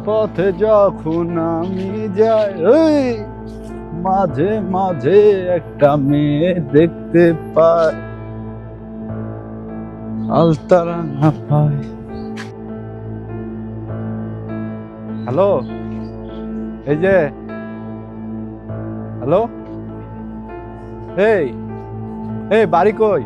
পথে যখন আমি যাই, ওই মাঝে মাঝে একটা মেয়ে দেখতে পাই, আলতারা না পাই। হ্যালো, এই যে হ্যালো, এই এই বাড়ি কই?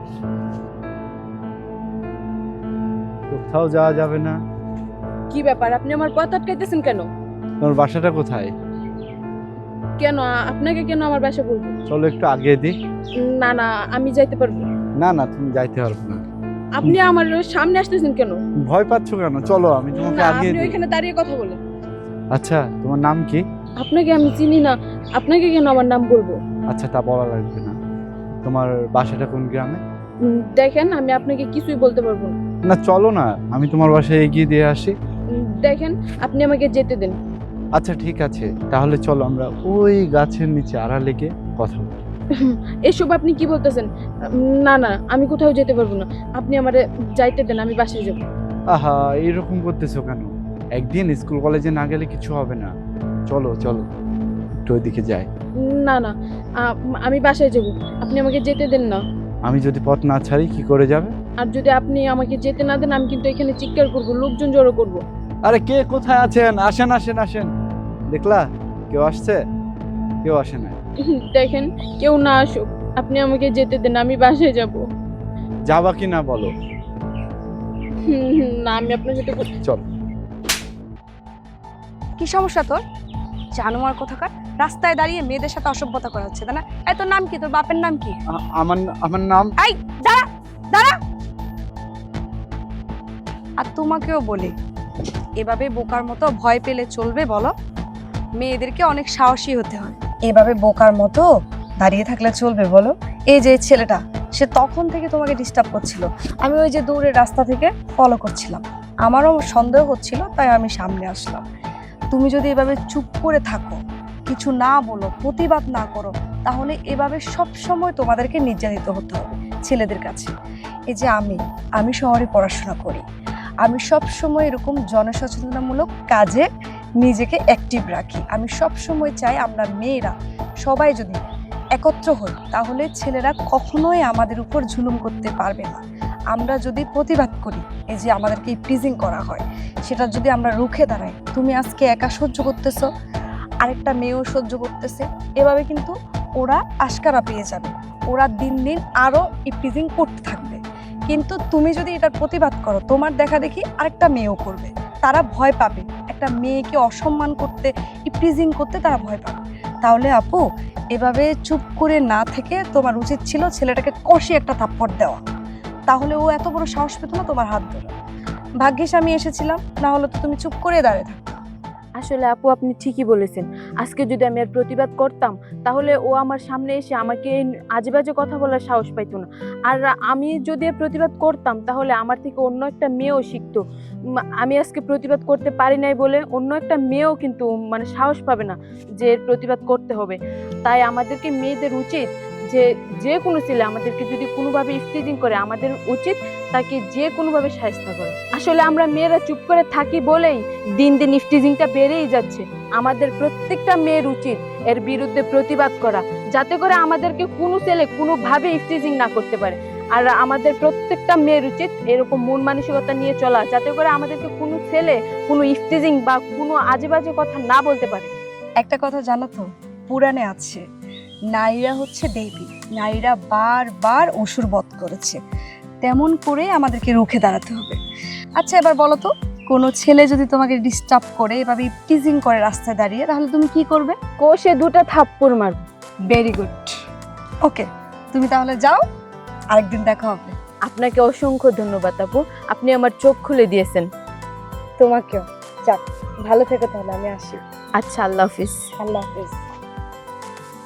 কোথাও যাওয়া যাবে না? কি ব্যাপার, আপনি আমার পথ আটকাইতেছেন কেন? তোমার বাসাটা কোথায়? কেন আপনাকে কেন আমার বাসা বলবো? চলো একটু আগে দিই। না না, আমি যাইতে পারবো না। না না, তুমি যাইতে পারবে না। আপনি আমার সামনে আসতেছেন কেন? ভয় পাচ্ছ কেন? চলো আমি তোমাকে না, আগে আপনি দিই। ওইখানে দাঁড়িয়ে কথা বলেন। আচ্ছা, তোমার নাম কি? আপনাকে আমি চিনি না, আপনাকে কেন আমার নাম বলবো? আচ্ছা, তা বলা লাগবে না। তোমার বাসাটা কোন গ্রামে? দেখেন, আমি আপনাকে কিছুই বলতে পারবো না। না চলো না, আমি তোমার বাসায় এগিয়ে দিয়ে আসি। দেখেন, আপনি আমাকে যেতে দেন। আচ্ছা ঠিক আছে, তাহলে চলো আমরা ওই গাছের নিচে আড়ালে গিয়ে কথা বলি। এসব আপনি কি বলতেছেন? না না, আমি কোথাও যেতে পারবো না। আপনি আমারে যাইতে দেন, আমি বাসায় যাব। আহা, এরকম করতেছো কেন? একদিন স্কুল কলেজে না গেলে কিছু হবে না। চলো চলো, একটু ওইদিকে যাই। না না, আমি বাসায় যাব। আপনি আমাকে যেতে দেন না। আমি যদি পথ না ছাড়ি কি করে যাবে? আর যদি আপনি আমাকে যেতে না দেন, আমি কিন্তু এখানে চিৎকার করব, লোকজন জড়ো করব। আরে কে কোথায় আছেন? আসেন আসেন আসেন। দেখলা কেউ আসছে? কেউ আসে না। দেখেন, কেউ না আসুক, আপনি আমাকে যেতে দেন, আমি বাসায় যাব। যাবা কি না বলো? না, আমি আপনার সাথে চল। কি সমস্যা তোর? জানোয়ার কোথাকার, রাস্তায় দাঁড়িয়ে মেয়েদের সাথে অসভ্যতা করা হচ্ছে, তাই না? এই তোর নাম কি? তোর বাপের নাম কি? আমার আমার নাম। এই দাঁড়া দাঁড়া। আর তোমাকেও বলি, এভাবে বোকার মতো ভয় পেলে চলবে বলো? মেয়েদেরকে অনেক সাহসী হতে হয়। এভাবে বোকার মতো দাঁড়িয়ে থাকলে চলবে বলো? এই যে ছেলেটা, সে তখন থেকে তোমাকে ডিস্টার্ব করছিল। আমি ওই যে দূরের রাস্তা থেকে ফলো করছিলাম, আমারও সন্দেহ হচ্ছিল, তাই আমি সামনে আসলাম। তুমি যদি এভাবে চুপ করে থাকো, কিছু না বলো, প্রতিবাদ না করো, তাহলে এভাবে সব সময় তোমাদেরকে নির্যাতিত হতে হবে ছেলেদের কাছে। এই যে আমি শহরে পড়াশোনা করি, আমি সব সময় এরকম জনসচেতনামূলক কাজে নিজেকে অ্যাক্টিভ রাখি। আমি সব সময় চাই আমরা মেয়েরা সবাই যদি একত্র হই, তাহলে ছেলেরা কখনোই আমাদের উপর জুলুম করতে পারবে না। আমরা যদি প্রতিবাদ করি, এই যে আমাদেরকে প্রিজিং করা হয়, সেটা যদি আমরা রুখে দাঁড়াই, তুমি আজকে একা সহ্য করতেছো, আরেকটা মেয়েও সহ্য করতেছে, এভাবে কিন্তু ওরা আশকারা পেয়ে যাবে, ওরা দিন দিন আরো প্রিজিং করতে থাকবে। কিন্তু তুমি যদি এটার প্রতিবাদ করো, তোমার দেখা দেখি আরেকটা মেয়েও করবে, তারা ভয় পাবে, একটা মেয়েকে অসম্মান করতে, প্রিজিং করতে তারা ভয় পাবে। তাহলে আপু, এভাবে চুপ করে না থেকে তোমার উচিত ছিল ছেলেটাকে কষে একটা থাপ্পড় দেওয়া, তাহলে ও এত বড় সাহস পেত না তোমার হাত ধরে। ভাগ্যিস আমি এসেছিলাম, না হলে তো তুমি চুপ করে দাঁড়িয়ে থাকো। আসলে আপু, আপনি ঠিকই বলেছেন। আজকে যদি আমি আর প্রতিবাদ করতাম, তাহলে ও আমার সামনে এসে আমাকে আজে বাজে কথা বলার সাহস পাইতো না। আর আমি যদি এর প্রতিবাদ করতাম, তাহলে আমার থেকে অন্য একটা মেয়েও শিখতো। আমি আজকে প্রতিবাদ করতে পারি নাই বলে অন্য একটা মেয়েও কিন্তু মানে সাহস পাবে না যে এর প্রতিবাদ করতে হবে। তাই আমাদেরকে মেয়েদের উচিত যে যে কোনো ছেলে আমাদেরকে যদি কোনোভাবে ইফতিজিং করে, আমাদের উচিত তাকে যে কোনোভাবে শায়েস্তা করে। আসলে আমরা মেয়েরা চুপ করে থাকি বলেই দিন দিন ইফতিজিংটা বেড়েই যাচ্ছে। আমাদের প্রত্যেকটা মেয়ের উচিত এর বিরুদ্ধে প্রতিবাদ করা, যাতে করে আমাদেরকে কোনো ছেলে কোনোভাবে ইফতিজিং না করতে পারে। আর আমাদের প্রত্যেকটা মেয়ের উচিত এরকম মন মানসিকতা নিয়ে চলা, যাতে করে আমাদেরকে কোনো ছেলে কোনো ইফতিজিং বা কোনো আজে বাজে কথা না বলতে পারে। একটা কথা জানো তো, পুরাণে আছে, নারীরা হচ্ছে দেবী, নারীরা বারবার অসুর বধ করেছে, তেমন করে আমাদেরকে রুখে দাঁড়াতে হবে। আচ্ছা এবার বলো তো, কোনো ছেলে যদি তোমাকে ডিস্টার্ব করে, এভাবে টিজিং করে রাস্তায় দাঁড়িয়ে, তাহলে তুমি কি করবে? কোষে দুটো থাপ্পড় মারব। ভেরি গুড, ওকে, তুমি তাহলে যাও, আরেকদিন দেখা হবে। আপনাকে অসংখ্য ধন্যবাদ আপু, আপনি আমার চোখ খুলে দিয়েছেন। তোমাকেও। যাক, ভালো থেকো তাহলে, আমি আসি। আচ্ছা, আল্লাহ হাফিজ। আল্লাহ হাফিজ।